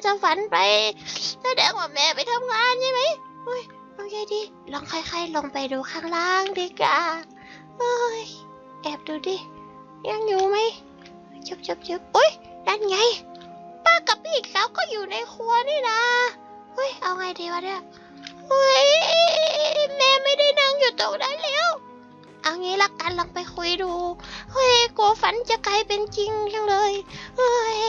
ถ้าฝันไปแสดงว่าแม่ไปทำงานใช่ไหมเฮ้ยโอเคดีลองค่อยๆลงไปดูข้างล่างดีกว่าเฮ้ยแอบดูดิยังอยู่ไหมจุบอุ้ยนั่นไงป้ากับพี่สาวก็อยู่ในครัวนี่นะเฮ้ยเอาไงดีวะเนี่ยเฮ้ยแม่ไม่ได้นั่งอยู่ตรงนั้นแล้วเอางี้ละกันลองไปคุยดูเฮ้ยกลัวฝันจะกลายเป็นจริงจังเลยเฮ้ย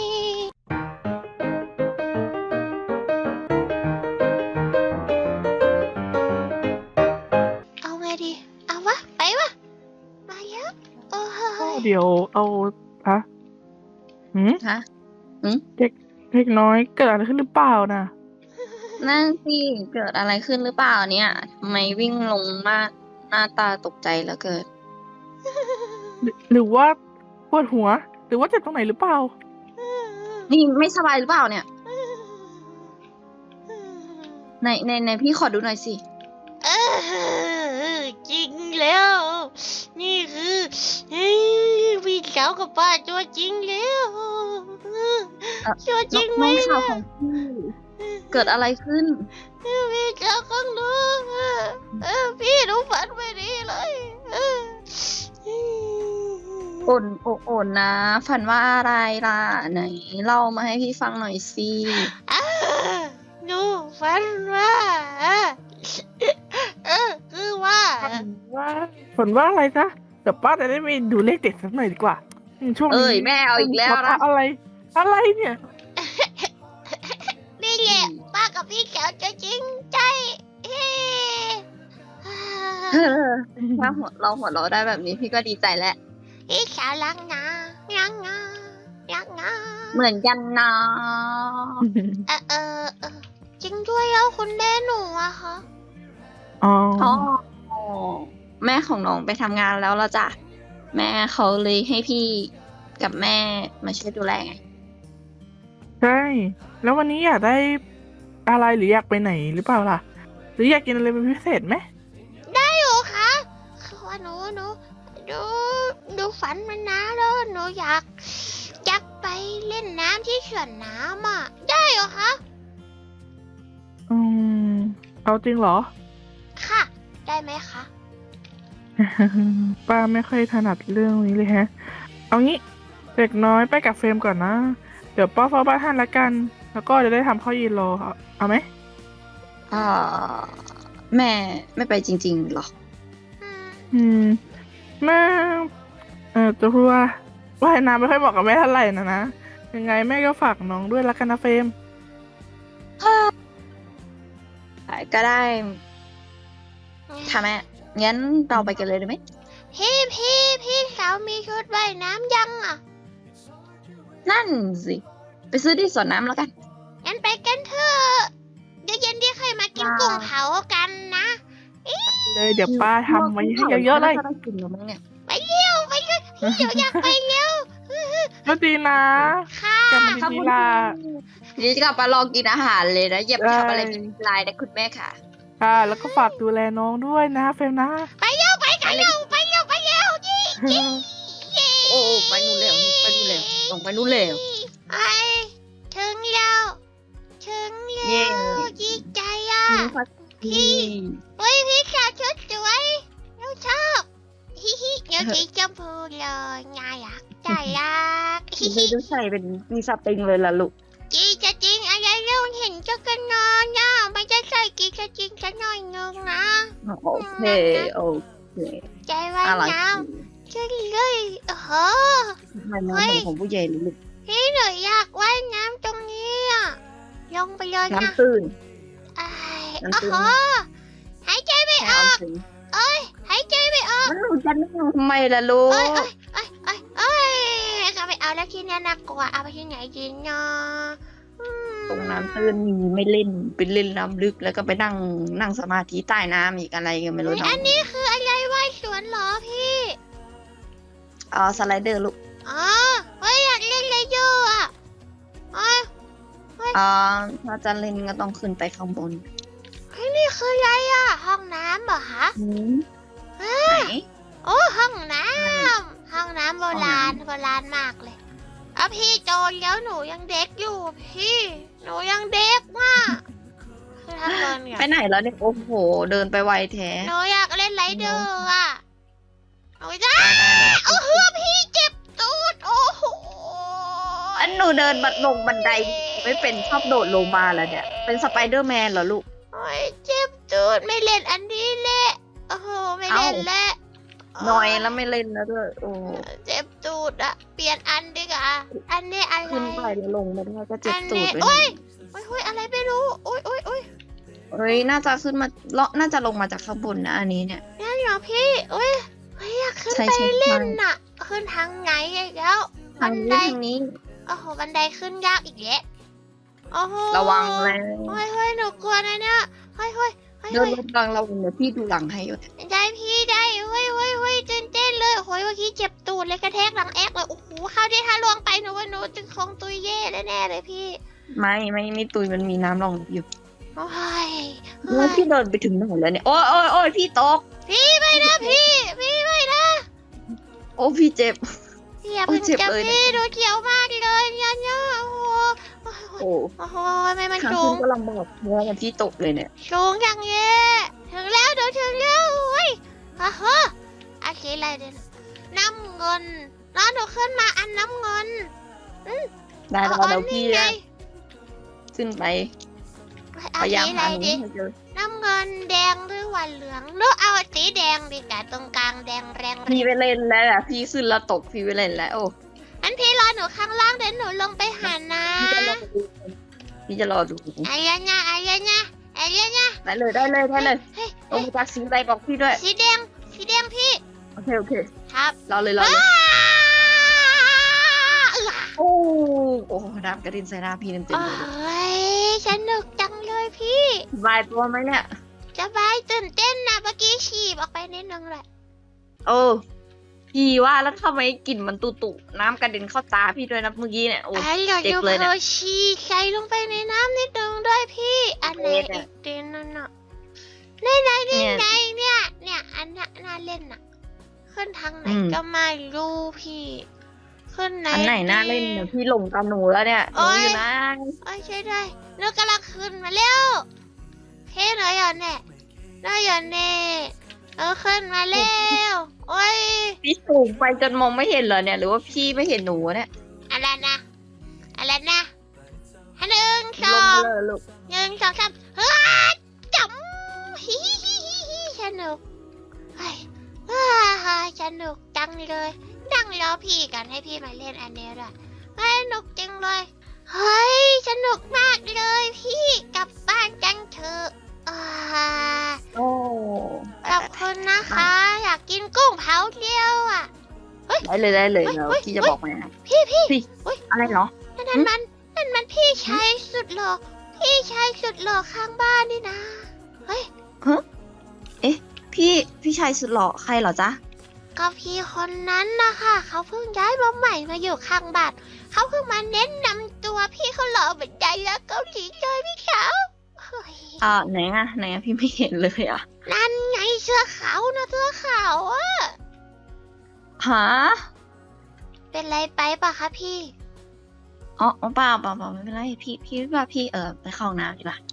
เอาไงดีเอาวะไปวะมาเยอะโอ้ยเดี๋ยวเอาฮะฮะเด็กน้อยเกิดอะไรขึ้นหรือเปล่านะนั่นสิเกิดอะไรขึ้นหรือเปล่าเนี่ยทำไมวิ่งลงมาหน้าตาตกใจแล้วเกิดหรือว่าปวดหัว หรือว่าเจ็บตรงไหนหรือเปล่านี่ไม่สบายหรือเปล่าเนี่ยในพี่ขอดูหน่อยสิเออจริงแล้ว นี่คือพี่สาวกับป้าตัวจริงแล้วตัวจริงไหมน้องสาวนะของพี่เกิดอะไรขึ้นพี่สาวของหนูพี่หนูฝันไม่ดีเลยโอนนะฝันว่าอะไรล่ะไหนเล่ามาให้พี่ฟังหน่อยสิหนูฝันว่าคือว่าฝนว่าอะไรจ๊ะเดี๋ยวป้าจะได้ไปดูเลขเด็ดสักหน่อยดีกว่าช่วงนี้เอ้ยแม่เอาอีกแล้วนะอะไรเนี่ยนี่แหละป้ากับพี่สาวจะจริงใจถ้าเราหัวเราะได้แบบนี้พี่ก็ดีใจแล้วพี่สาวรักนะรักนะเหมือนกันนะจริงด้วยแล้วคุณแม่หนูอะคะอ๋ออ๋อแม่ของน้องไปทำงานแล้วละจ้ะแม่เขาเลยให้พี่กับแม่มาช่วยดูแลไงใช่แล้ววันนี้อยากได้อะไรหรืออยากไปไหนหรือเปล่าล่ะ หรืออยากกินอะไรเป็นพิเศษไหมได้อยู่คะคือว่าหนูฝันมานานแล้วหนูอยากไปเล่นน้ำที่เขื่อนน้ำอะได้เหรอคะเอาจริงเหรอค่ะ ได้ไหมคะป้าไม่ค่อยถนัดเรื่องนี้เลยฮะ เอางี้เด็กน้อยไปกับเฟรมก่อนนะ เดี๋ยวป้าเฝ้าบ้านท่านละกัน แล้วก็จะได้ทำข้าวเย็นรอเอาไหมแม่ไม่ไปจริงๆหรอแม่จะพูดว่าว่ายน้ำไม่ค่อยเหมาะกับแม่เท่าไหร่นะยังไงแม่ก็ฝากน้องด้วยละกันนะเฟรมก็ได้ค่ะแม่งั้นเราไปกันเลยได้ไหมพี่สาวมีชุดว่ายน้ำยังอ่ะนั่นสิไปซื้อที่สวนน้ำแล้วกันงั้นไปกันเถอะเดี๋ยวเย็นที่ใครมากินกุ้งเผากันนะเลยเดี๋ยวป้าทำไว้ให้เยอะๆเลยได้กินแล้วมั้งเนี่ยไปเร็วเดี๋ยวอยากไปเร็วก็ดีนะค่ะกลับมาดีๆล่ะเดี๋ยวจะกลับมาลองกินอาหารเลยนะอย่าไปทำอะไรผิดลายนะคุณแม่ค่ะค่ะแล้วก็ฝากดูแลน้องด้วยนะเฟรมนะไปเร็วยี่โอ้ไปนู่นเร็วส่งไปนู่นเร็วไอถึงแล้วดีใจอ่ะ พี่ พี่สาวชุดสวยหนูชอบเดี๋ยวสีชมพูเลยน่ารักใจรักดูใส่เป็นมีสปริงเลยล่ะลูกจีจะจริงอะไรเรื่องเห็นจะกันนอนนะมันจะใส่กีจะจริงจะหน่อยนึงนะโอเคใจไว้นะช่วยเลยทำไมน้องของผู้ใหญ่ลูกพี่หนูอยากว่ายน้ำตรงนี้อ่ะลงไปเลยนะน้ำตื้นหายใจไม่ออกหายใจไม่ออกมันหนูจะนั่งทำไมล่ะลูกเขาไปเอาแล้วที่นี่น่ากลัวเอาไปที่ไหนดีเนาะตรงน้ำตื้นมีไม่เล่นเป็นเล่นน้ำลึกแล้วก็ไปนั่งสมาธิใต้น้ำอีกอะไรกันไม่รู้อันนี้คืออะไรว่ายสวนเหรอพี่สไลเดอร์ลูกอยากเล่นเลยโย่อะถ้าจะเล่นก็ต้องขึ้นไปข้างบนนี่คืออะไรอ่ะห้องน้ำเหรอคะไหนโอ้ห้องน้ำโบราณมากเลยพี่โตแล้วหนูยังเด็กอยู่พี่หนูยังเด็กมากคือทำเกินเนี่ยไปไหนแล้วเนี่ยโอ้โหเดินไปไวแท้หนูอยากเล่นไรเดอร์อ่ะหนูจะโอ้โหพี่เจ็บตูดโอ้โหอันหนูเดินลงบันไดไม่เป็นชอบโดดลงมาแล้วเนี่ยเป็นสไปเดอร์แมนเหรอลูกโอ้ยเจ็บตูดไม่เล่นอันนี้แหละโอ้โหไม่เล่นแล้วหน่อยแล้วไม่เล่นแล้วด้วยโอ้เจ็บตูดอะเปลี่ยนอันดีกว่าอันนี้อะไรขึ้นไปแล้วลงมาได้ก็เจ็บอันตูนี้ดเลยโอ้ยโอ้ยโอ้ยอะไรไม่รู้โอ้ยโอ้ยโอ้ยเฮ้ยน่าจะขึ้นมาน่าจะลงมาจากข้างบนนะอันนี้เนี่ยนั่นเหรอพี่โอ้ยเฮ้ยอยากขึ้นใช่ไปใช่เล่นน่ะขึ้นทางไหนอีกแล้วทางนี้ทางนี้โอ้โหบันไดขึ้นยากอีกแล้วโอ้โหระวังแล้วเฮ้ยเฮ้ยหนูกลัวนะเนี่ยเฮ้ยเฮ้ยเฮ้ยเดินเฮ้ยลงกลางเราเดี๋ยวพี่ดูหลังให้อยู่ได้พี่ได้เฮ้ยเฮ้ยเฮ้ยตื่นเต้นเลยโอ้ยเมื่อกี้เจ็บตูดเลยกระแทกหลังแอกเลยโอ้โหเข้าที่ท่าลวงไปหนูว่าหนูจะคงตุยเย่แน่ๆเลยพี่ไม่ตุยมันมีน้ำรองอยู่โอ้ยแล้วพี่เดินไปถึงไหนแล้วเนี่ยโอ้ยโอ้ยโอ้ยพี่ตกพี่ไม่นะพี่ไม่นะโอ้พี่เจ็บพี่อย่าเพิ่งโอ้ยเจ็บจับเลยเนี่ยพี่ดูเขียวมากเลยเนี่ยโอ้โหโอ้โอ้โหไม่มันขาสูขึ้งนก็ลำบากเพราะว่าพี่ตกเลยเนี่ยสูงอย่างเงี้ยถึงแล้วเดี๋ยวถึงแล้วเฮ้ยอ่ะฮะอะไรเดี๋ยวน้ำเงินแล้วหนูขึ้นมาอันน้ำเงินได้แล้วอัเดี๋ยวพี่ไงขึ้นไปเอาพยายามสีอะหาไรหนูดีให้เจอน้ำเงินแดงหรือว่าเหลืองหรือเอาสีแดงดีกว่าตรงกลางแดงแรงพี่ไปเล่นแล้วแหละพี่ขึ้นแล้วตกพี่ไปเล่นแล้วโอ้อันพี่รอหนูข้างล่างเดี๋ยวหนูลงไปหานะพี่จะรอดูไอ้ยันนะได้เลยได้เลยเฮ้ยลเฮ้งยมาจากสีอะไรบอกพี่ด้วยสีแดงพี่โอเคครับรอเลยรอเลยว้าโอ้โอ้น้ำกระเด็นใส่หน้าพี่เต็มโอ้เลยยสนุกจังเลยพี่สบายตัวไหมเนี่ยสบายตื่นเต้นนะเมื่อกี้ฉีบออกไปนิดนึงแหละโอ้พี่ว่าแล้วทำไมกลิ่นมันตุน้ำกระเด็นเข้าตาพี่ด้วยนะเมื่อกี้เนี่ยโอ้ไอ้เราเจ็บจะเลยเนี่ยเพอฉีใส่ลงไปในน้ำนิดนึงด้วยพี่ อันไหนเจ็บอีอะกเดนนั่นน่ะนี่ไงเนี่ยอันน่ะน่าเล่นน่ะ ขึ้นทางไหนก็ไม่รู้พี่ ขึ้นไหนอันไหนน่าเล่นเนี่ยพี่หลงกับหนูแล้วเนี่ยหนูอยู่นะโอ้ยใช่ได้หนูกำลังขึ้นมาเร็วพี่หนูอยู่เนี่ยขึ้นมาเร็วโอ้ยพี่สูงไปจนมองไม่เห็นเหรอเนี่ย หรือว่าพี่ไม่เห็นหนูเนี่ยอะไรนะหนึ่งสลอง งเลยลูกหนึ่งสองสามเฮ้ยจับฮิสนุกเฮ้ยสนุกจังเลยนั่งรอพี่กันให้พี่มาเล่นอันนี้ด้วยสนุกจังเลยเฮ้ยสนุกมากเลยพี่กลับบ้านจังเถอะโอ้ขอบคุณนะคะ อยากกินกุ้งเผาเดียวอ่ะได้เลยแล้วพี่จะบอกมานะพี่อะไรเหรอนั่นมันพี่ชายสุดหล่อข้างบ้านนี่นะเฮ้ยพี่ชายสุดหล่อใครเหรอจ๊ะก็พี่คนนั้นนะคะเขาเพิ่งย้ายมาใหม่มาอยู่ข้างบ้านเขาเพิ่งมาแนะนำตัวพี่เขาหล่อเหมือนไดแล้วเกาหลีเลยพี่ขาวเฮ้ยไหนอะพี่ไม่เห็นเลยอะนั่นไงเสื้อขาวนะเสื้อขาวอะหาเป็นไรไปปะคะพี่อ๋อเปล่าไม่เป็นไรพี่ว่าพี่ไปเข้าห้องน้ำดีกว่า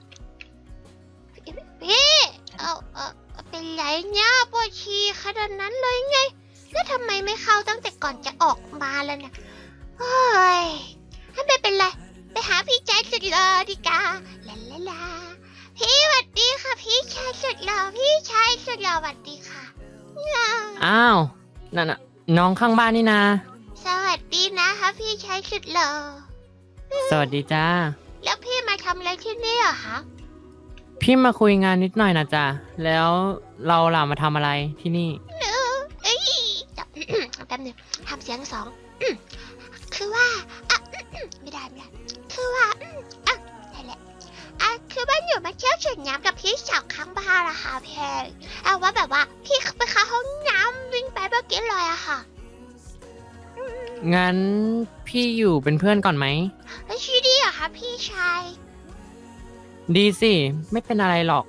พี่เป็นไรเนี่ยปวดฉี่ขนาดนั้นเลยไงแล้วทำไมไม่เข้าตั้งแต่ก่อนจะออกมาแล้วเนี่ยเฮ้ยไม่เป็นไรไปหาพี่ใจสุดหล่อดีกว่าลาพี่สวัสดีค่ะพี่ชายสุดหล่อสวัสดีค่ะอ้าวนั่นน่ะน้องข้างบ้านนี่นาสวัสดีนะคะพี่ชายสุดหล่อสวัสดีจ้าแล้วพี่มาทำอะไรที่นี่เหรอคะพี่มาคุยงานนิดหน่อยนะจ๊ะแล้วเราล่ะมาทำอะไรที่นี่เอ้ยจับ แป๊บนึงทำเสียงสองคือว่าไม่ได้คือว่าได้แหละคือว่าอยู่มาเที่ยวสวนน้ำกับพี่สาวข้างบ้านอะค่ะพี่ว่าแบบว่าพี่ไปเข้าห้องน้ำวิ่งไปเมื่อกี้เลยอะค่ะงั้นพี่อยู่เป็นเพื่อนก่อนไหมแล้วชื่อดีเหรอคะพี่ชายดีสิไม่เป็นอะไรหรอก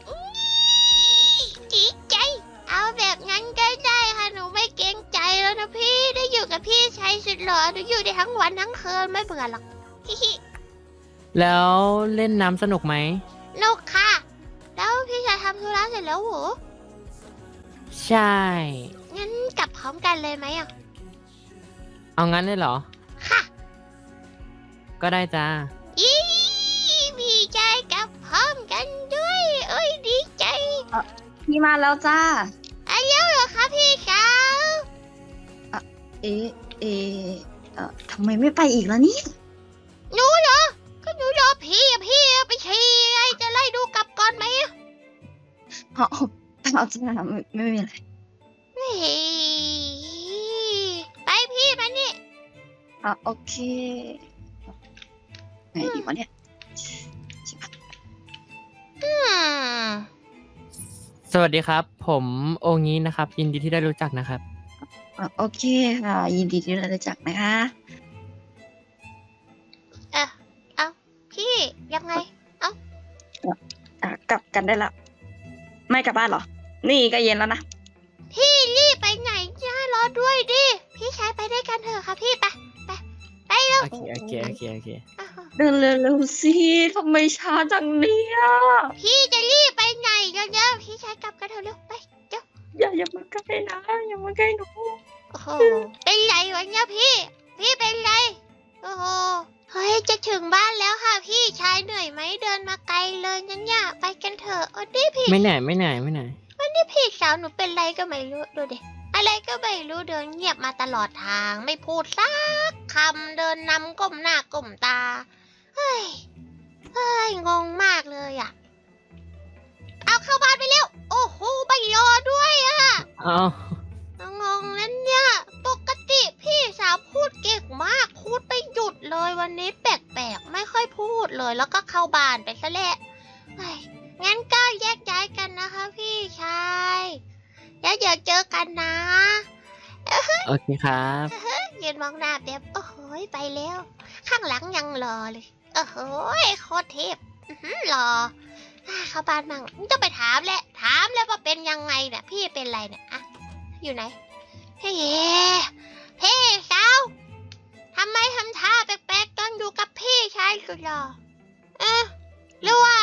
ดีใจเอาแบบงั้นก็ได้ค่ะหนูไม่เกรงใจแล้วนะพี่ได้อยู่กับพี่ชายสุดหล่อหนูอยู่ได้ทั้งวันทั้งคืนไม่เบื่อหรอกฮิแล้วเล่นน้ำสนุกไหมลูกค่ะ แล้วพี่ชายทำธุระเสร็จแล้วเหรอใช่งั้นกลับพร้อมกันเลยไหมอ่ะเอางั้นเลยเหรอค่ะก็ได้จ้าอีพี่ชายกลับพร้อมกันด้วย เอ้ยดีใจพี่มาแล้วจ้าอายุเหรอคะพี่สาวเอ๊ะเอ๊ะทำไมไม่ไปอีกล่ะเนี่ยหนูเหรอ ก็หนูรอพี่อะพี่ไปฉี่ไงจะไล่ดูกลับก่อนไหมอะเอาจ้าไม่มีอะไรเฮ้ยไปพี่มานี่โอเคไงดีวะเนี่ยชิบหายอืมสวัสดีครับ ผมโองี้นะครับ ยินดีที่ได้รู้จักนะครับโอเคค่ะ ยินดีที่ได้รู้จักนะคะเอาพี่ยังไงกลับกันได้ละไม่กลับบ้านเหรอ นี่ก็เย็นแล้วนะพี่รีบไปไหนจ้ารอด้วยดิ พี่ชายไปด้วยกันเถอะค่ะพี่ไปเร็วโอเคอ้าวเดินเร็วๆสิทำไมช้าจังเนี่ยพี่จะรีบไปไหนกันเนี่ยพี่ชายกลับกันเถอะเร็วไปเร็วอย่ามาใกล้นะอย่ามาใกล้หนูโอ้โหเป็นไรวะเนี่ยพี่เป็นไรโอ้โหเฮ้ยจะถึงบ้านแล้วค่ะพี่ชายเหนื่อยไหมเดินมาไกลเลยงั้นเนี่ยไปกันเถอะโอ้ดิพี่ไม่เหนื่อยนี่พี่สาวหนูเป็นไรก็ไม่รู้ดูดิอะไรก็ไม่รู้เดินเงียบมาตลอดทางไม่พูดสักคำเดินนำก้มหน้าก้มตาเฮ้ยงงมากเลยอ่ะเอาเข้าบ้านไปเร็วโอ้โหไม่รอด้วยอ่ะเอางงนั้นเนี่ยปกติพี่สาวพูดเก่งมากพูดไม่หยุดเลยวันนี้แปลกๆไม่ค่อยพูดเลยแล้วก็เข้าบ้านไปซะแหละเฮ้ยงั้นก็แยกย้ายกันนะคะพี่ชายแล้วเดี๋ยวเจอกันนะโอเคครับยืนมองหน้าแบบโอ้โหไปแล้ว ข้างหลังยังรอเลยโอ้โหโคตรเทพรอเข้าบ้านมั่งจะไปถามแหละถามแล้วว่าเป็นยังไงเนี่ยพี่เป็นไรเนี่ยอะอยู่ไหนเฮ้ยพี่สาวทำไมทำท่าแปลกๆตอนอยู่กับพี่ชายสุดหล่อหรือว่า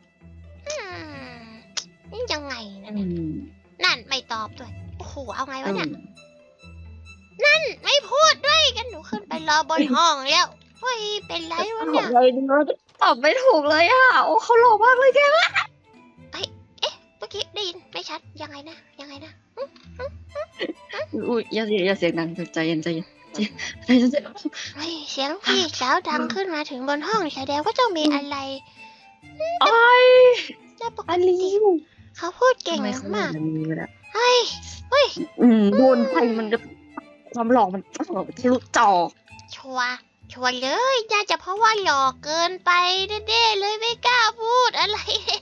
นี่ยังไงนะเนี่ยนั่นไม่ตอบด้วยโอ้โหเอาไงวะเนี่ยนั่นไม่พูดด้วยกันหนูขึ้นไปรอบนห้องแล้วเฮ้ยเป็นไรวะเนี่ยตอบไม่ถูกเลยอ่ะ โอ้เขาหล่อมากเลยแกเมื่อกี้ได้ยินไม่ชัดยังไงนะอุ้ยอย่าเสียงดังใจเย็นใจเย็นเฮ้ยเสียงพี่สาวดังขึ้นมาถึงบนห้องแสดงว่าต้องมีอะไรไอ้แต่ปกอลิติวเขาพูดเก่งมาก เฮ้ยโดนไฟมันก็ความหล่อมันทะลุจอชัวร์เลยน่าจะเพราะว่าหล่อเกินไปแน่ๆเลยไม่กล้าพูดอะไร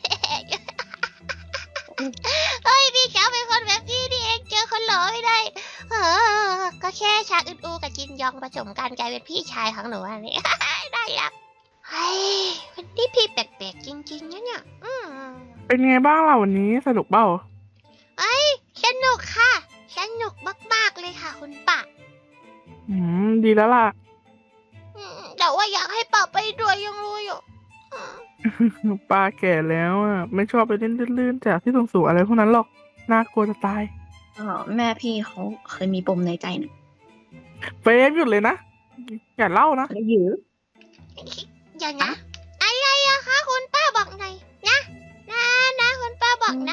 เฮ้ยพี่สาวเป็นคนแบบนี้นี่เองเจอคนหล่อไม่ได้ก็แค่ชาอึดอูกับจินยองผสมกันกลายเป็นพี่ชายของหนูอันนี้ ได้ละเฮ้ยวันนี้พี่แปลกๆจริงๆนะเนี่ยเป็นไงบ้างล่ะวันนี้สนุกเปล่าสนุกค่ะสนุกมากๆเลยค่ะคุณป้าดีแล้วล่ะแต่ว่าอยากให้ป้าไปด้วยยังรู้อยู่ป้าแก่แล้วอ่ะไม่ชอบไปเล่นลื่นๆจากที่สูงๆอะไรพวกนั้นหรอกน่ากลัวจะตายแม่พี่เขาเคยมีปมในใจนะเฟรมหยุดเลยนะอย่าเล่านะแล้วยื้ออย่างนะอะไรอะคะคุณป้าบอกหน่อยนะคุณป้าบอกนะ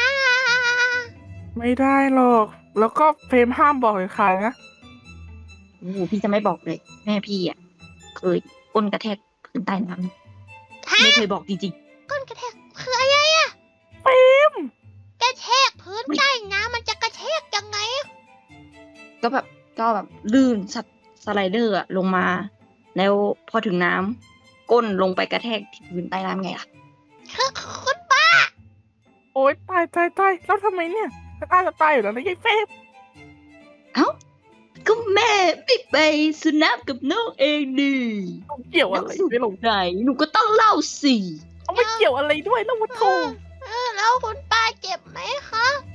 ไม่ได้หรอก แล้วก็เฟรมห้ามบอกเลยใครนะโอ้โหพี่จะไม่บอกเลย แม่พี่อ่ะเคยก้นกระแทกพื้นใต้น้ำไม่เคยบอกจริงก้นกระแทกคืออะไรอะเฟรมกระแทกพื้นใต้น้ำมันจะกระแทกยังไงอะๆก็แบบลื่นสไลเดอร์อะลงมา แล้วพอถึงน้ำก้นลงไปกระแทกที่พื้นใต้น้ำไงล่ะคุณป้าโอ๊ยตายแล้วทำไมเนี่ยจะตายอยู่แล้วนะยายเฟรมก็แม่ไปสนับกับน้องเองดิเกี่ยวอะไรไม่ลงไหนหนูก็ต้องเล่าสิเอาไม่เกี่ยวอะไรด้วยแล้ววัดโทแล้วคุณป้าเจ็บไหมคะ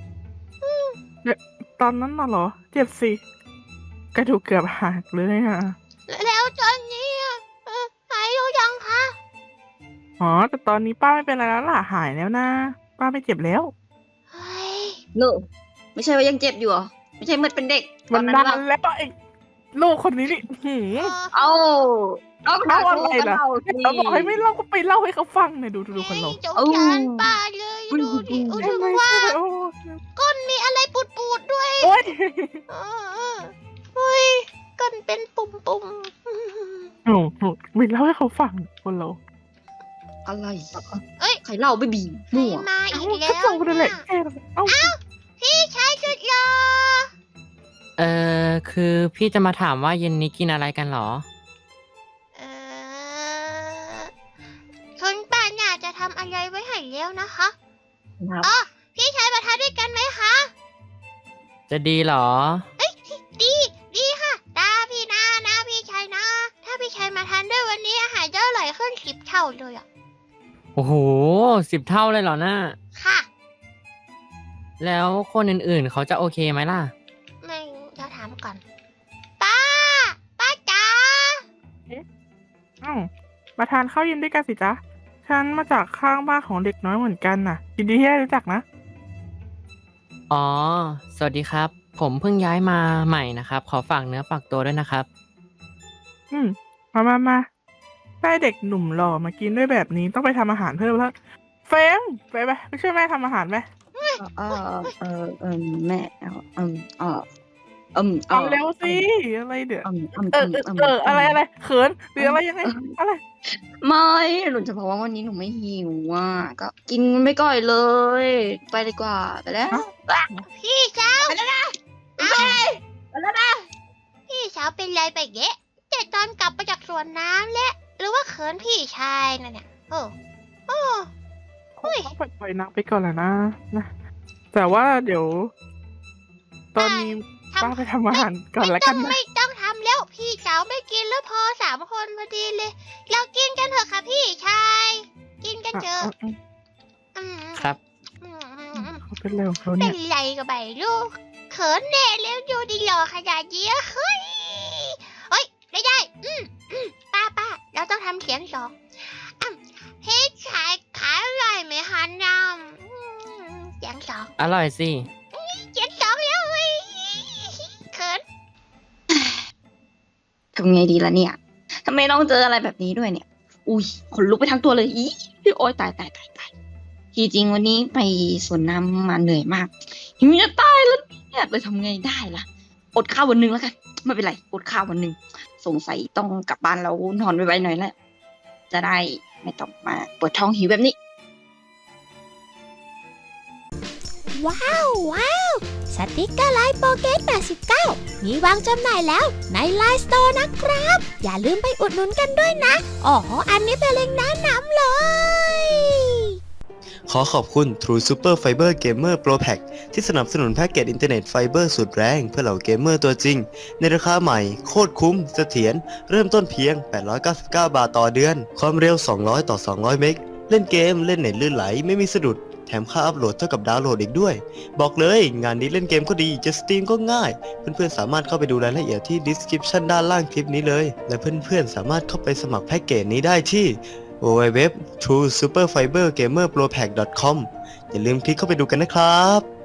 ตอนนั้นน่ะเหรอเจ็บสิกระดูกเกือบหักเลยอ่ะแล้วตอนนี้อะหายหรือยังคะอ๋อแต่ตอนนี้ป้าไม่เป็นไรแล้วล่ะหายแล้วนะป้าไม่เจ็บแล้วเฮ้ยโนไม่ใช่ว่ายังเจ็บอยู่เหรอไม่ใช่มันเป็นเด็กตมัอน นนั้นดัเรานแล้วไอ้ลูกคนนี้นี่หืมเอาเอาเล่าอะไรกันล่ะเราสิเขาบอกให้ไม่เล่าก็ไปเล่าให้เขาฟังเนี่ยดูคนเราสงสารป้าเลยดูดิถึงทำไมว่าโอ้ก้นมีอะไรปูดๆด้วยโอ๊ยเออเฮ้ยก้นเป็นปุ่มโอ้โหไม่เล่าให้เขาฟังคนเราอะไรเอ้ยใครเล่าไม่บีๆมั่วมาเอ้าอีกก็แล้วเจ้าคนนั่นแหละเนี่ยเอ้าพี่ชายสุดหล่อคือพี่จะมาถามว่าเย็นนี้กินอะไรกันเหรอเออคุณป้าน่าจะทำอะไรไว้ให้แล้วนะคะครับอ๋อพี่ชายมาทานด้วยกันไหมคะจะดีเหรอดีค่ะตาพี่นะพี่ชายนะ ถ้าพี่ชายมาทานด้วยวันนี้อาหารจะอร่อยขึ้น10 เท่าเลยอ่ะโอ้โห10 เท่าเลยเหรอน่าค่ะแล้วคนอื่นๆเขาจะโอเคไหมล่ะไม่จะถามก่อน ป้าจ๋าเอ้ามาทานข้าวเย็นด้วยกันสิจ๊ะฉันมาจากข้างบ้านของเด็กน้อยเหมือนกันน่ะยินดีที่ได้รู้จักนะอ๋อ สวัสดีครับ ผมเพิ่งย้ายมาใหม่นะครับ ขอฝากเนื้อฝากตัวด้วยนะครับมาได้เด็กหนุ่มหล่อมากินด้วยแบบนี้ต้องไปทำอาหารเพิ่มแล้วเฟรมไปช่วยแม่ทำอาหารไหมแม่เอาเร็วสิอะไรเดี๋ยวอะไรเขินหรืออะไรยังไงอะไรไม่หนูจะบอกว่าวันนี้หนูไม่หิวอ่ะก็กินไม่ก่อยเลย ไปดีกว่าไปแล้วพี่สาวไปแล้วนะพี่สาวเป็นไรไปเยะแต่ตอนกลับมาจากสวนน้ำและหรือว่าเขินพี่ชายนั่นเนี่ยโอ้ต้องปล่อยนักไปก่อนแหละนะแต่ว่าเดี๋ยว ตอนนี้ป้าไปทำอาหารก่อนแล้วกันนะไม่ต้องทำแล้วพี่สาวไม่กินแล้วพอ3 คนพอดีเลย เรากินกันเถอะค่ะพี่ชายกินกันเถอะอืมครับเขาเป็นอะไรของเขาเป็เนี่นยไรกับใบลูกเขินแน่แล้วดูดิหล่อขนาดนี้เฮ้ยได้ป้าเราต้องทำเสียงสองพี่ชายขายอร่อยไหมคะน้ำเสียงสองอร่อยสิเสียงสองแล้วเฮ้ยเขินทำไงดีล่ะเนี่ยทำไมต้องเจออะไรแบบนี้ด้วยเนี่ย อุ้ยขนลุกไปทั้งตัวเลยอีโอ๊ยตายจริงๆวันนี้ไปสวนน้ำมาเหนื่อยมากหิวจะตายแล้วเนี่ยเลยทำไงได้ล่ะอดข้าววันหนึ่งแล้วกันไม่เป็นไรอดข้าววันหนึ่งสงสัยต้องกลับบ้านแล้วนอนไวๆหน่อยแหละจะได้ไม่ต้องมาปวดท้องหิวแบบนี้ว้าวสติกเกอร์ไลน์โปเกต89มีวางจำหน่ายแล้วในไลน์สโตร์นะครับ อย่าลืมไปอุดหนุนกันด้วยนะอ๋ออันนี้เป็นเล็งก์แนะนำเลยขอขอบคุณ True Super Fiber Gamer Pro Pack ที่สนับสนุนแพ็กเกจอินเทอร์เน็ตไฟเบอร์สุดแรงเพื่อเหล่าเกมเมอร์ตัวจริง ในราคาใหม่โคตรคุ้มเสถียรเริ่มต้นเพียง 899 บาทต่อเดือน ความเร็ว 200 ต่อ 200 เมกเล่นเกมเล่นเน็ตลื่นไหลไม่มีสะดุด แถมค่าอัพโหลดเท่ากับดาวน์โหลดอีกด้วย บอกเลยงานนี้เล่นเกมก็ดีจะสตรีมก็ง่าย เพื่อนๆสามารถเข้าไปดูรายละเอียดที่ description ด้านล่างคลิปนี้เลย และเพื่อนๆสามารถเข้าไปสมัครแพ็กเกจนี้ได้ที่ www.truesuperfibergamerpropack.com อย่าลืมคลิกเข้าไปดูกันนะครับ